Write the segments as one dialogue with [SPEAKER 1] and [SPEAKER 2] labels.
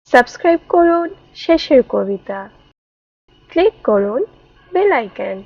[SPEAKER 1] Subscribe করুন শেষের কবিতা, ক্লিক করুন বেল আইকন।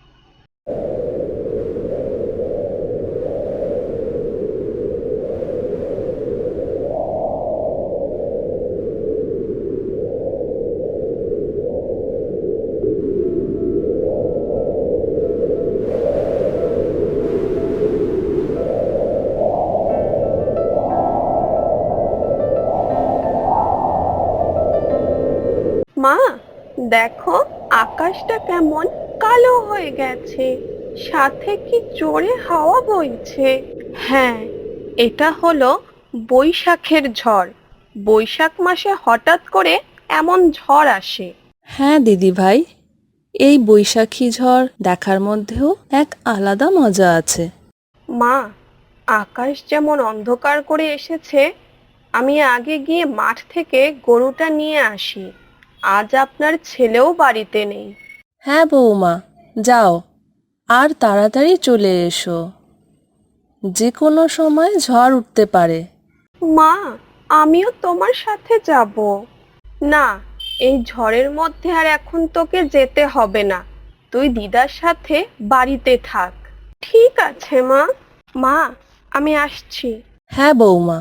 [SPEAKER 1] মা, দেখো আকাশটা কেমন কালো হয়ে গেছে, সাথে কি জোরে হাওয়া বইছে। হ্যাঁ, এটা হলো বৈশাখের ঝড়। বৈশাখ মাসে হঠাৎ করে এমন ঝড় আসে।
[SPEAKER 2] হ্যাঁ দিদি ভাই, এই বৈশাখী ঝড় দেখার মধ্যেও এক আলাদা মজা আছে।
[SPEAKER 1] মা, আকাশ যেমন অন্ধকার করে এসেছে, আমি আগে গিয়ে মাঠ থেকে গরুটা নিয়ে আসি। আজ আপনার ছেলেও বাড়িতে নেই।
[SPEAKER 2] হ্যাঁ বৌমা, যাও আর তাড়াতাড়ি চলে এসো, যে কোনো সময় ঝড় উঠতে পারে।
[SPEAKER 1] মা, আমিও তোমার সাথে যাব। না, এই ঝড়ের মধ্যে আর এখন তোকে যেতে হবে না। তুই দিদার সাথে বাড়িতে থাক। ঠিক আছে মা। মা, আমি আসছি।
[SPEAKER 2] হ্যাঁ বৌমা।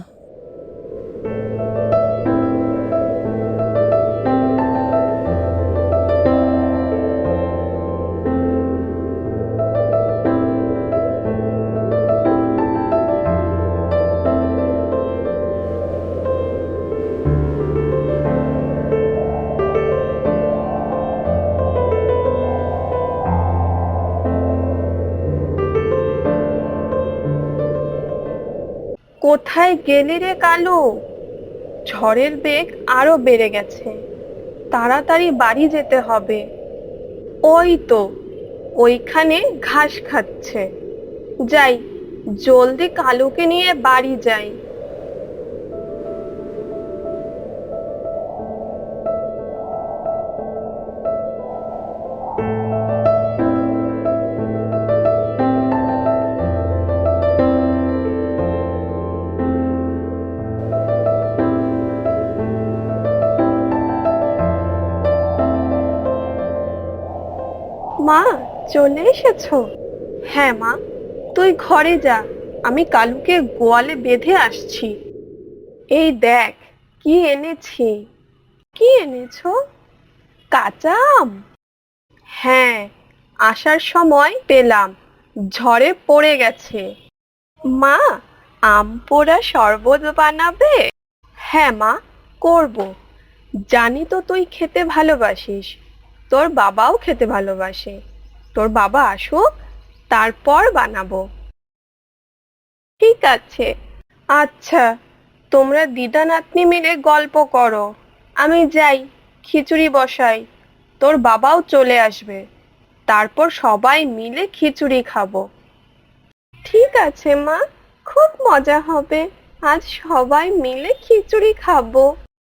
[SPEAKER 1] কোথায় গেলি রে কালু? ঝড়ের বেগ আরো বেড়ে গেছে, তাড়াতাড়ি বাড়ি যেতে হবে। ওই তো, ওইখানে ঘাস খাচ্ছে। যাই, জলদি কালুকে নিয়ে বাড়ি যাই। মা, চলে এসেছো? হ্যাঁ মা, তুই ঘরে যা, আমি কালুকে গোয়ালে বেঁধে আসছি। এই দেখ, কি এনেছি। কি এনেছো? কাঁচা আম? হ্যাঁ, আসার সময় পেলাম, ঝড়ে পড়ে গেছে। মা, আম পোড়া শরবত বানাবে? হ্যাঁ মা, করব। জানি তো তুই খেতে ভালোবাসিস, তোর বাবাও খেতে ভালোবাসে। তোর বাবা আসুক, তারপর বানাবো। ঠিক আছে। আচ্ছা, তোমরা দিদা নাতনি মিলে গল্প করো, আমি যাই, খিচুড়ি বসাই। তোর বাবাও চলে আসবে, তারপর সবাই মিলে খিচুড়ি খাবো। ঠিক আছে মা, খুব মজা হবে। আজ সবাই মিলে খিচুড়ি খাবো।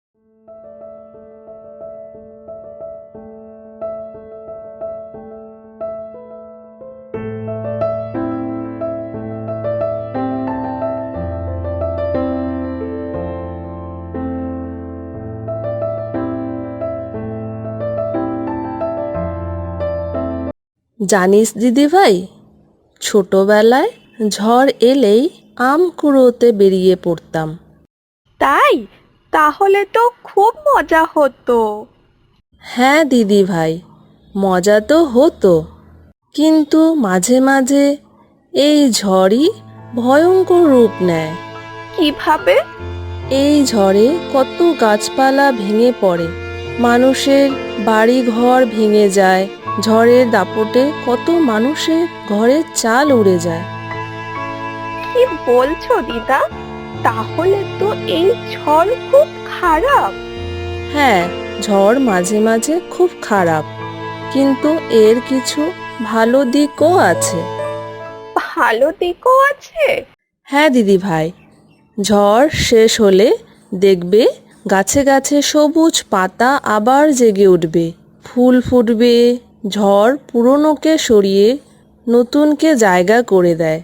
[SPEAKER 2] জানিস দিদি ভাই, ছোটবেলায় ঝড় এলেই আম কুড়োতে বেরিয়ে পড়তাম।
[SPEAKER 1] তাই? তাহলে তো খুব মজা হতো।
[SPEAKER 2] হ্যাঁ দিদি ভাই, মজা তো হতো, কিন্তু মাঝে মাঝে এই ঝড়ই ভয়ঙ্কর রূপ নেয়।
[SPEAKER 1] কিভাবে?
[SPEAKER 2] এই ঝড়ে কত গাছপালা ভেঙে পড়ে, মানুষের বাড়ি ঘর ভেঙে যায়, ঝড়ের দাপটে কত মানুষের ঘরের চাল উড়ে যায়।
[SPEAKER 1] কি বলছো দিদা? তাহলে তো এই ঝড় খুব খারাপ।
[SPEAKER 2] হ্যাঁ, ঝড় মাঝে মাঝে খুব খারাপ, কিন্তু এর কিছু ভালো দিকও আছে।
[SPEAKER 1] ভালো দিকও আছে?
[SPEAKER 2] হ্যাঁ দিদি ভাই, ঝড় শেষ হলে দেখবে গাছে গাছে সবুজ পাতা আবার জেগে উঠবে, ফুল ফুটবে। ঝড় পুরনোকে সরিয়ে নতুনকে জায়গা করে দেয়।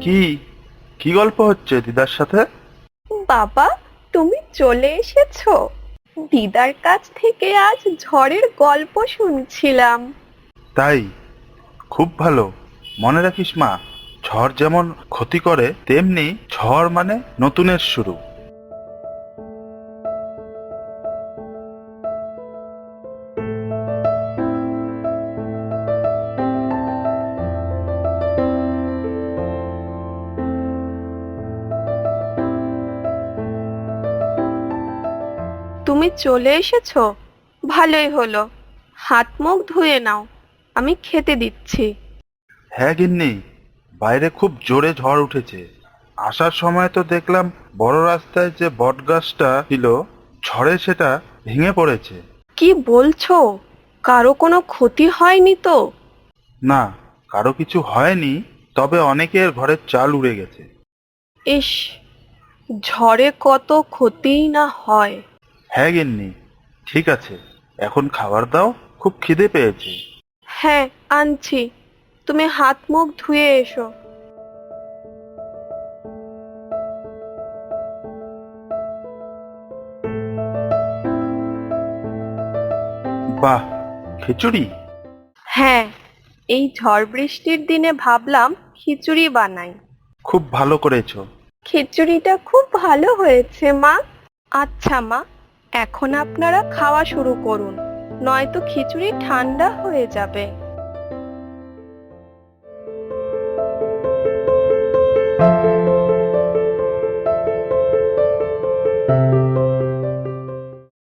[SPEAKER 3] কি কি গল্প হচ্ছে দিদার সাথে?
[SPEAKER 1] বাবা, তুমি চলে এসেছো? দিদার কাছ থেকে আজ ঝড়ের গল্প শুনছিলাম।
[SPEAKER 3] তাই? খুব ভালো। মনে রাখিস মা, ঝড় যেমন ক্ষতি করে তেমনি ঝড় মানে নতুনের শুরু।
[SPEAKER 1] তুমি চলে এসেছো, ভালোই হলো। হাত মুখ ধুয়ে নাও, আমি খেতে দিচ্ছি।
[SPEAKER 3] হ্যাঁ গিন্নি, বাইরে খুব জোরে ঝড় উঠেছে। আসার সময় তো দেখলাম বড় রাস্তায় যে বট গাছটা ছিল, ঝড়ে সেটা ভেঙে পড়েছে।
[SPEAKER 1] কি বলছো? কারো কোনো ক্ষতি হয়নি তো?
[SPEAKER 3] না, কারো কিছু হয়নি, তবে অনেকের ঘরের চাল উড়ে গেছে।
[SPEAKER 1] ইস, ঝড়ে কত ক্ষতিই না হয়।
[SPEAKER 3] হ্যাঁ গিন্নি, ঠিক আছে, এখন খাবার দাও, খুব খিদে পেয়েছে।
[SPEAKER 1] হ্যাঁ, আনছি। তুমি হাত মুখ ধুয়ে এসো।
[SPEAKER 3] বাহ, খিচুড়ি!
[SPEAKER 1] হ্যাঁ, এই ঝড় বৃষ্টির দিনে ভাবলাম খিচুড়ি বানাই।
[SPEAKER 3] খুব ভালো করেছো।
[SPEAKER 1] খিচুড়িটা খুব ভালো হয়েছে মা। আচ্ছা মা, এখন আপনারা খাওয়া শুরু করুন, নয়তো খিচুড়ি ঠান্ডা হয়ে যাবে।